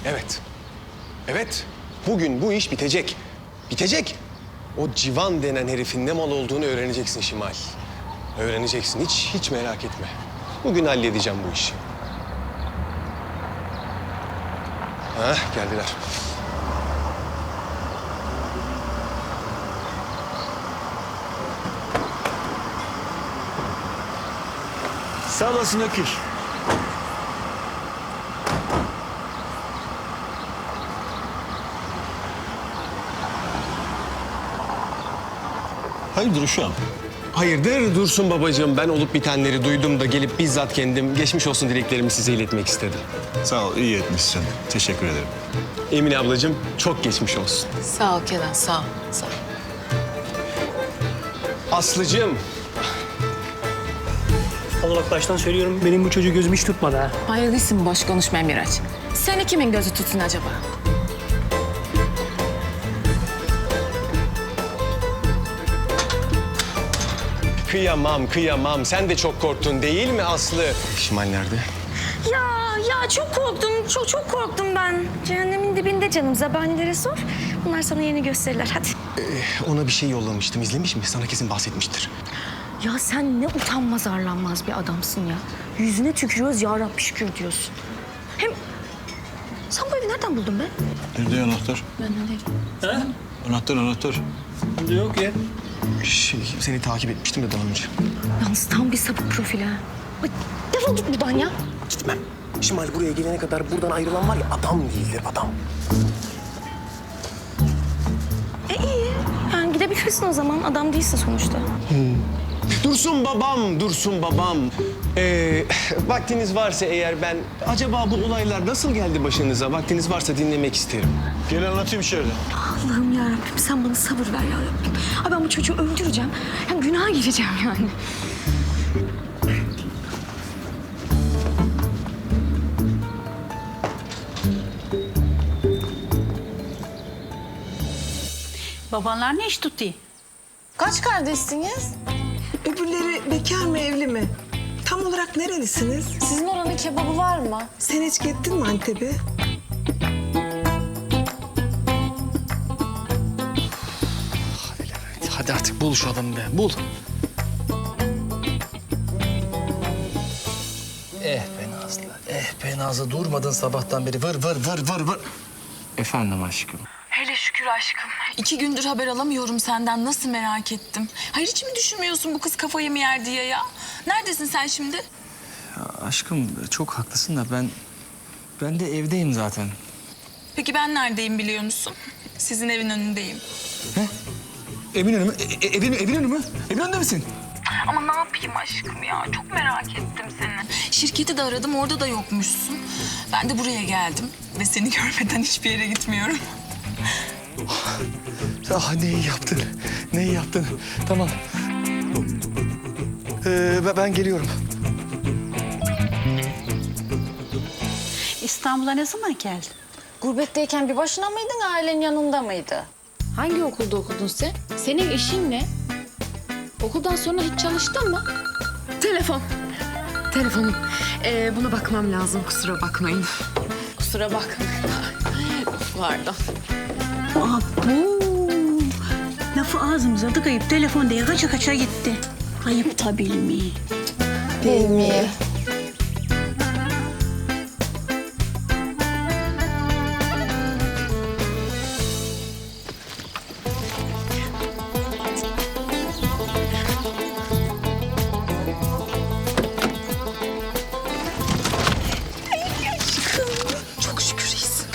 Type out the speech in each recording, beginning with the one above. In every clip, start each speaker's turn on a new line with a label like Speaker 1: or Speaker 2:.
Speaker 1: Evet. Evet. Bugün bu iş bitecek. Bitecek. O Civan denen herifin ne mal olduğunu öğreneceksin Şimal. Öğreneceksin. Hiç merak etme. Bugün halledeceğim bu işi. Hah, geldiler.
Speaker 2: Sağ olasın Ökür. Hayırdır uşağım?
Speaker 1: Hayırdır Dursun babacığım. Ben olup bitenleri duydum da gelip bizzat kendim geçmiş olsun dileklerimi size iletmek istedim.
Speaker 2: Sağ ol, iyi etmişsin. Teşekkür ederim.
Speaker 1: Emine ablacığım çok geçmiş olsun.
Speaker 3: Sağ ol Kenan, sağ ol. Sağ ol.
Speaker 1: Aslıcığım.
Speaker 4: Allah bak baştan söylüyorum benim bu çocuğu gözüm hiç tutmadı ha.
Speaker 3: Hayırlısın boş konuşma Miraç. Seni kimin gözü tutsun acaba?
Speaker 1: Kıyamam. Sen de çok korktun değil mi Aslı? Şimal nerede?
Speaker 5: Ya çok korktum. Çok korktum ben. Cehennemin dibinde canım. Zabanilere sor. Bunlar sana yeni gösterirler. Hadi.
Speaker 1: Ona bir şey yollamıştım. İzlemiş mi? Sana kesin bahsetmiştir.
Speaker 5: Ya sen ne utanmaz arlanmaz bir adamsın ya. Yüzüne tükürüyoruz ya Rabbi şükür diyorsun. Hem sen bu evi nereden buldun be?
Speaker 2: Nerede anahtar?
Speaker 3: Ben öyle.
Speaker 2: Anahtar.
Speaker 4: Yok ya.
Speaker 1: Seni takip etmiştim de daha önce.
Speaker 5: Yalnız tam bir sapık profil ha. Ay, defol git buradan ya.
Speaker 1: Gitmem. Şimal buraya gelene kadar buradan ayrılan var ya adam değildir adam.
Speaker 5: İyi. Yani gidebilirsin o zaman. Adam değilsin sonuçta.
Speaker 1: Dursun babam. Vaktiniz varsa eğer ben... Acaba bu olaylar nasıl geldi başınıza? Vaktiniz varsa dinlemek isterim.
Speaker 2: Gel anlatayım şöyle.
Speaker 5: Allah'ım ya Rabbim sen bana sabır ver ya Rabbim. Ay ben bu çocuğu öldüreceğim. Yani günaha gireceğim yani.
Speaker 6: Babanlar ne iş tuttu?
Speaker 3: Kaç kardeşsiniz?
Speaker 7: Öbürleri bekar mı evli mi? Tam olarak nerelisiniz?
Speaker 3: Sizin oranın kebabı var mı?
Speaker 7: Sen hiç gittin mi Antep'e?
Speaker 1: Hadi artık bul şu adamı be, bul.
Speaker 8: Be Nazlı durmadın sabahtan beri vır.
Speaker 9: Efendim aşkım.
Speaker 3: Hele şükür aşkım. 2 gündür haber alamıyorum senden. Nasıl merak ettim. Hayır hiç mi düşünmüyorsun bu kız kafayı mı yer diye ya? Neredesin sen şimdi?
Speaker 9: Ya aşkım çok haklısın da ben de evdeyim zaten.
Speaker 3: Peki ben neredeyim biliyor musun? Sizin evin önündeyim.
Speaker 9: Evin önü mü? Evin önü mü? Evin önünde misin?
Speaker 3: Ama ne yapayım aşkım ya? Çok merak ettim seni. Şirketi de aradım, orada da yokmuşsun. Ben de buraya geldim ve seni görmeden hiçbir yere gitmiyorum.
Speaker 1: Ah ne iyi yaptın. Tamam. Ben geliyorum.
Speaker 6: İstanbul'a ne zaman geldin?
Speaker 3: Gurbetteyken bir başına mıydın, ailen yanında mıydı? Hangi okulda okudun sen? Senin işin ne? Okuldan sonra hiç çalıştın mı?
Speaker 10: Telefonum. Buna bakmam lazım. Kusura bakmayın.
Speaker 3: Kusura bakma. Pardon.
Speaker 6: Bu lafı ağzımıza tıkayıp telefon diye kaça gitti. Ayıp tabii mi?
Speaker 3: Değil mi?
Speaker 1: Çok şükür iyisin.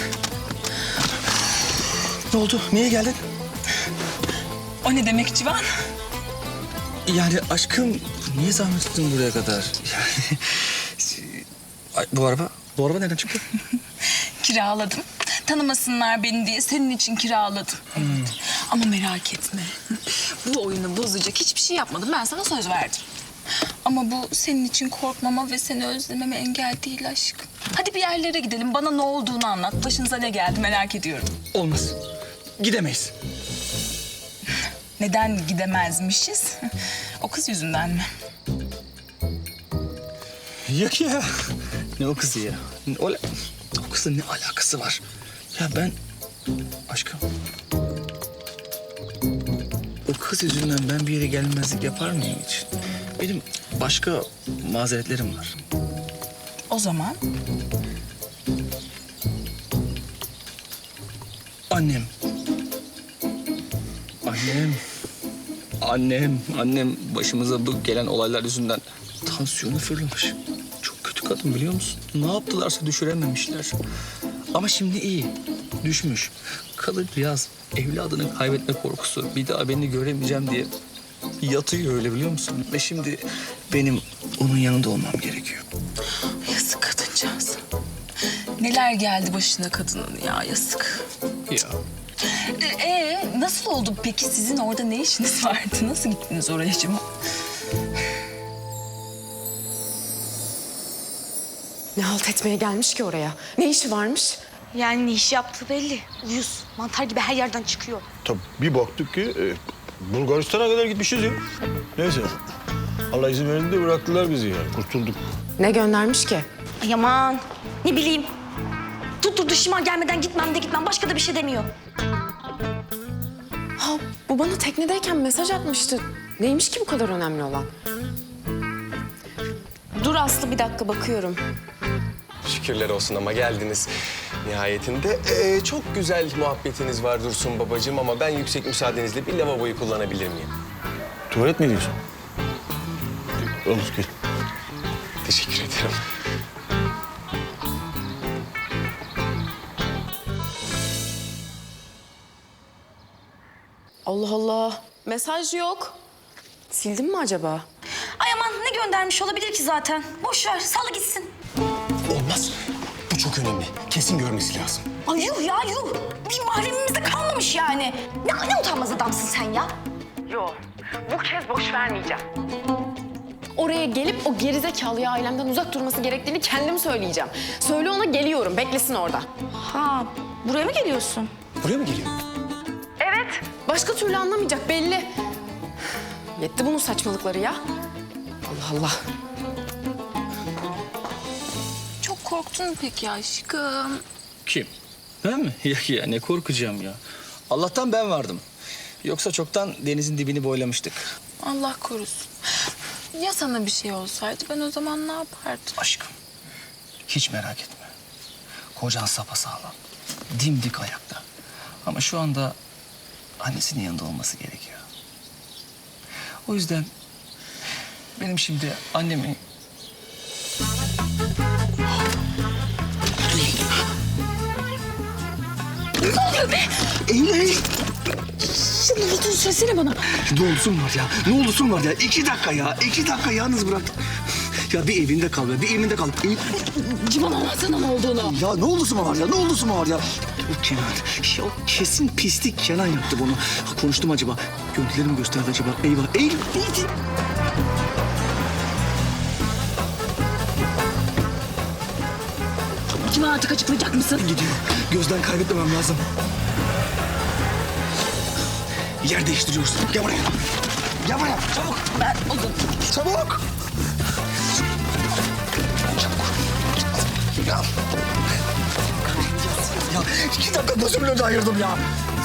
Speaker 1: Ne oldu? Niye geldin?
Speaker 3: O ne demek Civan?
Speaker 9: Yani aşkım niye zahmet ettin buraya kadar? Yani Ay, bu araba nereden çıktı?
Speaker 3: Kiraladım. Tanımasınlar beni diye senin için kiraladım. Evet. Ama merak etme. Bu oyunu bozacak hiçbir şey yapmadım. Ben sana söz verdim. Ama bu senin için korkmama ve seni özlememe engel değil aşkım. Hadi bir yerlere gidelim. Bana ne olduğunu anlat. Başınıza ne geldi merak ediyorum.
Speaker 9: Olmaz. Gidemeyiz.
Speaker 3: Neden gidemezmişiz? O kız yüzünden mi?
Speaker 9: Yok ya. Ne o kızı ya? O kız kızla ne alakası var? Ya ben... Aşkım... O kız yüzünden ben bir yere gelmezlik yapar mıyım hiç? Benim başka mazeretlerim var.
Speaker 3: O zaman
Speaker 9: Annem. Annem başımıza bu gelen olaylar yüzünden tansiyonu fırlamış. Çok kötü kadın biliyor musun? Ne yaptılarsa düşürememişler. Ama şimdi iyi. Düşmüş. Kadıncağız evladını kaybetme korkusu. Bir daha beni göremeyeceğim diye yatıyor öyle biliyor musun? Ve şimdi benim onun yanında olmam gerekiyor.
Speaker 3: yazık kadıncağız. Neler geldi başına kadının ya, yazık.
Speaker 9: Ya.
Speaker 3: Nasıl oldu peki? Sizin orada ne işiniz vardı? Nasıl gittiniz oraya acaba?
Speaker 10: Ne halt etmeye gelmiş ki oraya? Ne işi varmış?
Speaker 5: Yani ne iş yaptığı belli. Uyuz. Mantar gibi her yerden çıkıyor.
Speaker 2: Tabii bir baktık ki Bulgaristan'a kadar gitmişiz ya. Neyse. Allah izin verdi de bıraktılar bizi yani. Kurtulduk.
Speaker 10: Ne göndermiş ki?
Speaker 5: Ay aman. Ne bileyim. Tutturdu şıma gelmeden gitmem. Başka da bir şey demiyor.
Speaker 10: Ha, bu bana teknedeyken mesaj atmıştı. Neymiş ki bu kadar önemli olan? Dur Aslı, bir dakika bakıyorum.
Speaker 1: Şükürler olsun ama geldiniz nihayetinde. Çok güzel muhabbetiniz var Dursun babacığım ama ben yüksek müsaadenizle bir lavaboyu kullanabilir miyim?
Speaker 2: Tuvalet mi diyorsun? Olur ki.
Speaker 1: Teşekkür ederim.
Speaker 10: Allah Allah. Mesaj yok. Sildin mi acaba?
Speaker 5: Ay aman ne göndermiş olabilir ki zaten? Boş ver, sal gitsin.
Speaker 1: Olmaz. Bu çok önemli. Kesin görmesi lazım.
Speaker 5: Ay yuh ya yuh. Bir mahremimizde kalmamış yani. Ne utanmaz adamsın sen ya.
Speaker 10: Oraya gelip o gerizekalı ailemden uzak durması gerektiğini kendim söyleyeceğim. Söyle ona, geliyorum. Beklesin orada.
Speaker 5: Ha, buraya mı geliyorsun?
Speaker 1: Buraya mı geliyor?
Speaker 10: Başka türlü anlamayacak belli. Yetti bunun saçmalıkları ya. Allah Allah.
Speaker 3: Çok korktun mu peki aşkım?
Speaker 9: Kim? Ben mi? Ya ne korkacağım ya. Allah'tan ben vardım. Yoksa çoktan denizin dibini boylamıştık.
Speaker 3: Allah korusun. Ya sana bir şey olsaydı ben o zaman ne yapardım?
Speaker 9: Aşkım, hiç merak etme. Kocan sapasağlam, dimdik ayakta. Ama şu anda annesinin yanında olması gerekiyor. O yüzden benim şimdi annemi...
Speaker 3: Ne olduğunu söylesene bana.
Speaker 9: Ne olursun var ya, ne olursun var ya. 2 dakika ya, 2 dakika yalnız bırak. Ya bir evinde kal be, bir evinde kal.
Speaker 3: Civan anlatsana ne olduğunu.
Speaker 9: Ya ne olursun var ya, ne olursun var ya. O Kenan, ya o kesin pislik Kenan yaptı bunu. Konuştum acaba, görüntüleri mi gösterdi acaba? Eyvah, eyvah.
Speaker 3: Civan artık açıklayacak mısın?
Speaker 9: Gidiyor, gözden kaybetmemem lazım. Yer değiştiriyoruz. Gel buraya. Gel buraya, çabuk.
Speaker 3: Ben o zaman...
Speaker 9: Çabuk. Ya 2 dakika gözümün önünde ayırdım ya.